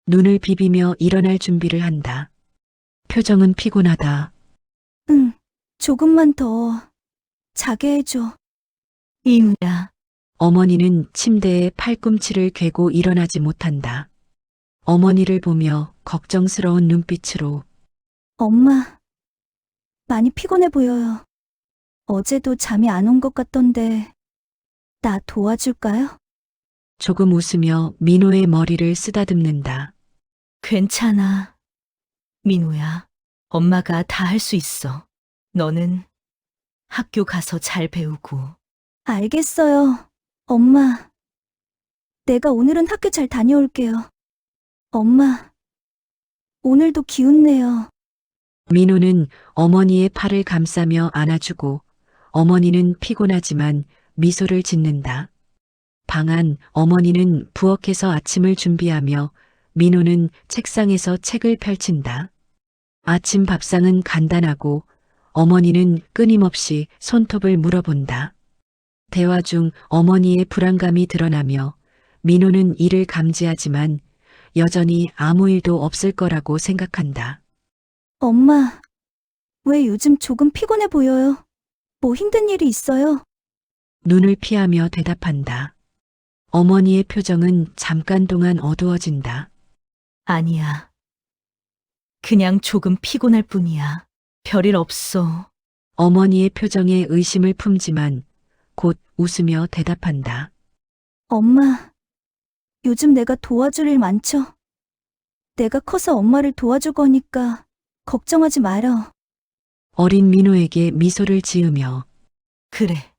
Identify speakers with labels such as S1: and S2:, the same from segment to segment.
S1: 눈을 비비며 일어날 준비를 한다. 표정은 피곤하다.
S2: 응, 조금만 더 자게 해줘.
S3: 이유야,
S1: 어머니는 침대에 팔꿈치를 괴고 일어나지 못한다. 어머니를 보며 걱정스러운 눈빛으로
S2: 엄마, 많이 피곤해 보여요. 어제도 잠이 안 온 것 같던데, 나 도와줄까요?
S1: 조금 웃으며 민호의 머리를 쓰다듬는다.
S3: 괜찮아. 민호야, 엄마가 다 할 수 있어. 너는 학교 가서 잘 배우고.
S2: 알겠어요. 엄마, 내가 오늘은 학교 잘 다녀올게요. 엄마, 오늘도 기운내요.
S1: 민호는 어머니의 팔을 감싸며 안아주고 어머니는 피곤하지만 미소를 짓는다. 방 안 어머니는 부엌에서 아침을 준비하며 민호는 책상에서 책을 펼친다. 아침 밥상은 간단하고 어머니는 끊임없이 손톱을 물어본다. 대화 중 어머니의 불안감이 드러나며 민호는 이를 감지하지만 여전히 아무 일도 없을 거라고 생각한다.
S2: 엄마, 왜 요즘 조금 피곤해 보여요? 뭐 힘든 일이 있어요?
S1: 눈을 피하며 대답한다. 어머니의 표정은 잠깐 동안 어두워진다.
S3: 아니야. 그냥 조금 피곤할 뿐이야. 별일 없어.
S1: 어머니의 표정에 의심을 품지만 곧 웃으며 대답한다.
S2: 엄마, 요즘 내가 도와줄 일 많죠? 내가 커서 엄마를 도와줄 거니까 걱정하지 말어.
S1: 어린 민호에게 미소를 지으며
S3: 그래.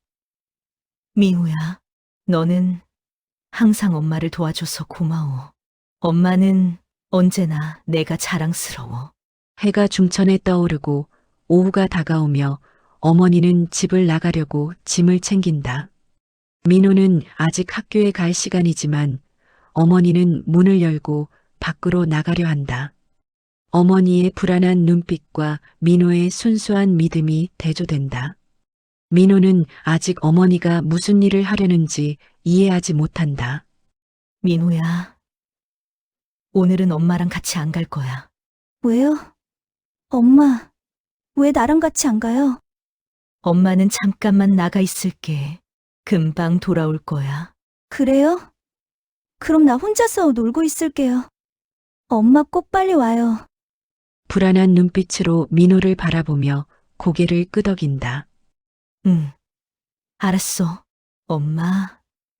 S3: 민호야, 너는 항상 엄마를 도와줘서 고마워. 엄마는 언제나 내가 자랑스러워.
S1: 해가 중천에 떠오르고 오후가 다가오며 어머니는 집을 나가려고 짐을 챙긴다. 민호는 아직 학교에 갈 시간이지만 어머니는 문을 열고 밖으로 나가려 한다. 어머니의 불안한 눈빛과 민호의 순수한 믿음이 대조된다. 민호는 아직 어머니가 무슨 일을 하려는지 이해하지 못한다.
S3: 민호야, 오늘은 엄마랑 같이 안 갈 거야.
S2: 왜요? 엄마, 왜 나랑 같이 안 가요?
S3: 엄마는 잠깐만 나가 있을게. 금방 돌아올 거야.
S2: 그래요? 그럼 나 혼자서 놀고 있을게요. 엄마 꼭 빨리 와요.
S1: 불안한 눈빛으로 민호를 바라보며 고개를 끄덕인다.
S3: 응, 알았어. 엄마,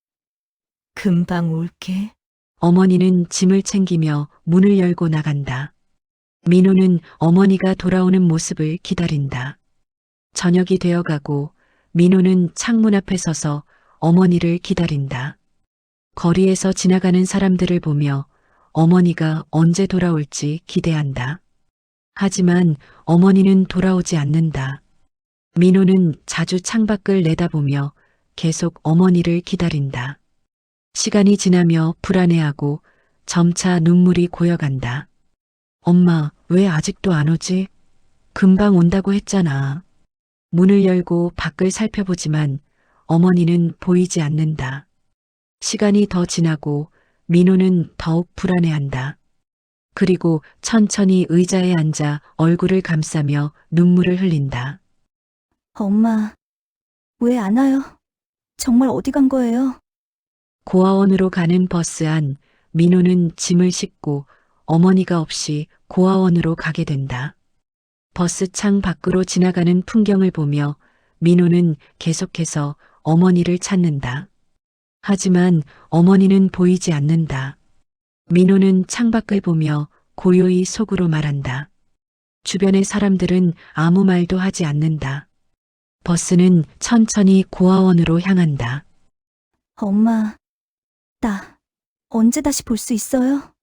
S3: 금방 올게.
S1: 어머니는 짐을 챙기며 문을 열고 나간다. 민호는 어머니가 돌아오는 모습을 기다린다. 저녁이 되어가고 민호는 창문 앞에 서서 어머니를 기다린다. 거리에서 지나가는 사람들을 보며 어머니가 언제 돌아올지 기대한다. 하지만 어머니는 돌아오지 않는다. 민호는 자주 창밖을 내다보며 계속 어머니를 기다린다. 시간이 지나며 불안해하고 점차 눈물이 고여간다. 엄마, 왜 아직도 안 오지? 금방 온다고 했잖아. 문을 열고 밖을 살펴보지만 어머니는 보이지 않는다. 시간이 더 지나고 민호는 더욱 불안해한다. 그리고 천천히 의자에 앉아 얼굴을 감싸며 눈물을 흘린다.
S2: 엄마, 왜 안 와요? 정말 어디 간 거예요?
S1: 고아원으로 가는 버스 안 민호는 짐을 싣고 어머니가 없이 고아원으로 가게 된다. 버스 창 밖으로 지나가는 풍경을 보며 민호는 계속해서 어머니를 찾는다. 하지만 어머니는 보이지 않는다. 민호는 창밖을 보며 고요히 속으로 말한다. 주변의 사람들은 아무 말도 하지 않는다. 버스는 천천히 고아원으로 향한다.
S2: 엄마, 나 언제 다시 볼 수 있어요?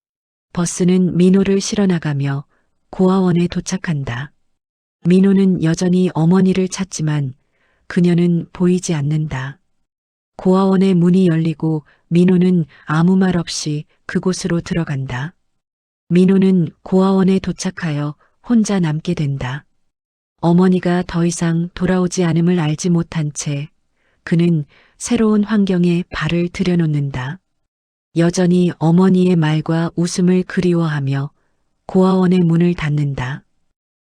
S1: 버스는 민호를 실어 나가며 고아원에 도착한다. 민호는 여전히 어머니를 찾지만 그녀는 보이지 않는다. 고아원의 문이 열리고 민호는 아무 말 없이 그곳으로 들어간다. 민호는 고아원에 도착하여 혼자 남게 된다. 어머니가 더 이상 돌아오지 않음을 알지 못한 채 그는 새로운 환경에 발을 들여놓는다. 여전히 어머니의 말과 웃음을 그리워하며 고아원의 문을 닫는다.